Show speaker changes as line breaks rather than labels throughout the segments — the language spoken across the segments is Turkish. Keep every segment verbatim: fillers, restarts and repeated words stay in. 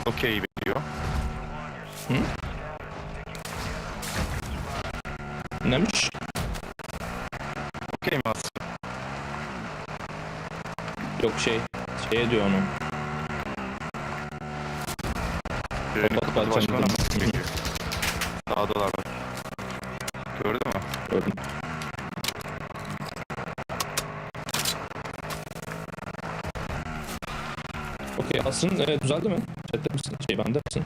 okey veriyor.
Hı? Neymiş?
Okey mi aslında?
Yok şey, şey diyor onu.
Birini
Kapat
kapadı başka
parçamı.
ona mı çekiyor? Sağdalar bak. Gördün mü?
Gördüm. Okey, Asrın e, düzeldi mi? Chatte misin? Şey bende misin?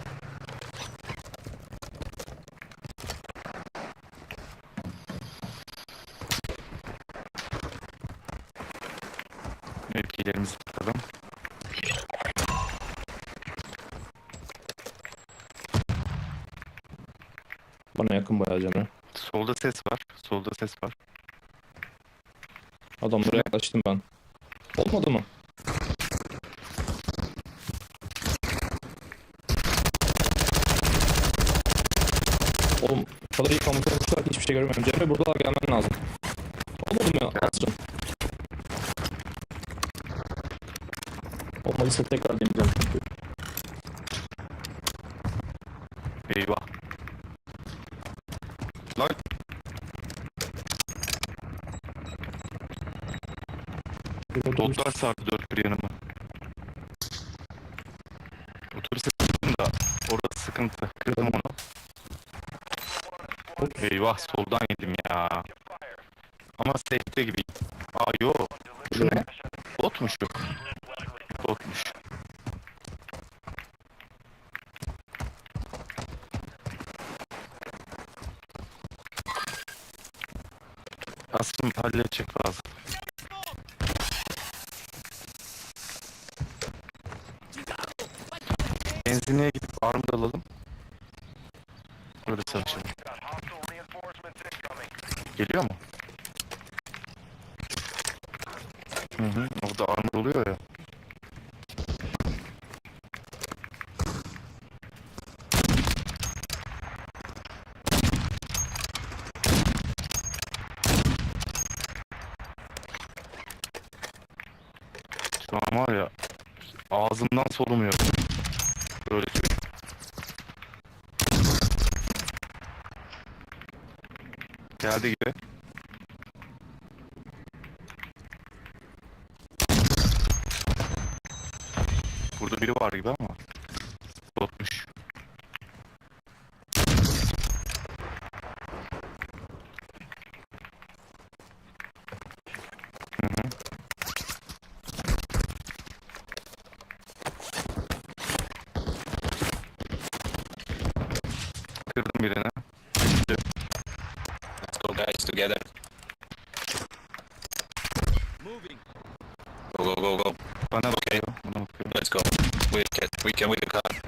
Mevkilerimizi tutalım.
Bana yakın bayağı Cemre.
Solda ses var. Solda ses var.
Adamlara yaklaştım ben. Olmadı mı? Oğlum o kadar iyi kamufle olmuşlar ki hiçbir şey görmüyorum. Cemre buradalar, gelmen lazım. Olmadı mı Asrın? Olmadıysa tekrar deneyeceğim çünkü.
Eyvah. Lan. Botlar sardı dört bir yanıma. Otobüse sıktım da orası sıkıntı. Kırdım onu. Eyvah soldan yedim ya. Ama safe'de gibi. Aa yo. Şu ne? Botmuş yok. Botmuş. Aslında halledecek lazım. Benzinliğe gidip armor alalım. Öyle savaşalım. Geliyor mu? Hı hı. Orada armor oluyor ya. Şu an var ya ağzımdan solumuyor. Öyle söyleyeyim. Geldi gibi. Burada biri var gibi ama botmuş. Hı hı. Kırdım birini.
Let's go, guys, together. Go, go, go, go.
Bana bakıyor. Bana bakıyor.
Let's go. We can, we can with the car.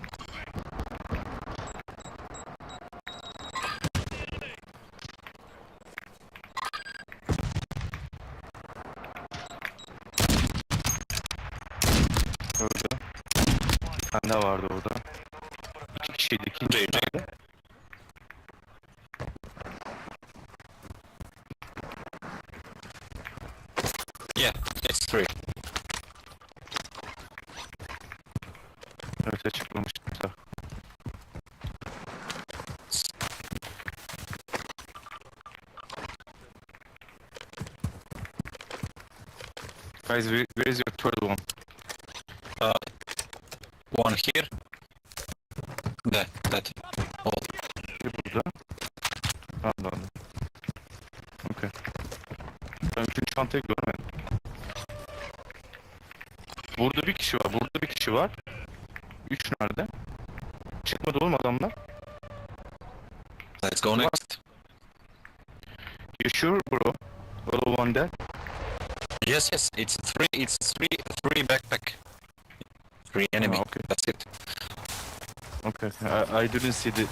Öldü. Bir tane daha vardı orada. İki kişiydi. İkinci
Jay, Jay.
nerede?
Yeah, it's three.
Evet açıklamıştım da. Guys, where, where is your third one?
Uh, one here. That, that. Oh,
Bir burada. Allah Allah. Okay. Ben üçüncü çantayı görmedim. Burada bir kişi var. Burada bir kişi var. Üç nerede? Çıkmadı oğlum adamlar.
let's go next.
You sure bro? All one dead?
Yes, yes, it's three, it's three, three backpack. Three enemy,
Ah, okay.
that's it.
Okay. I, I didn't see the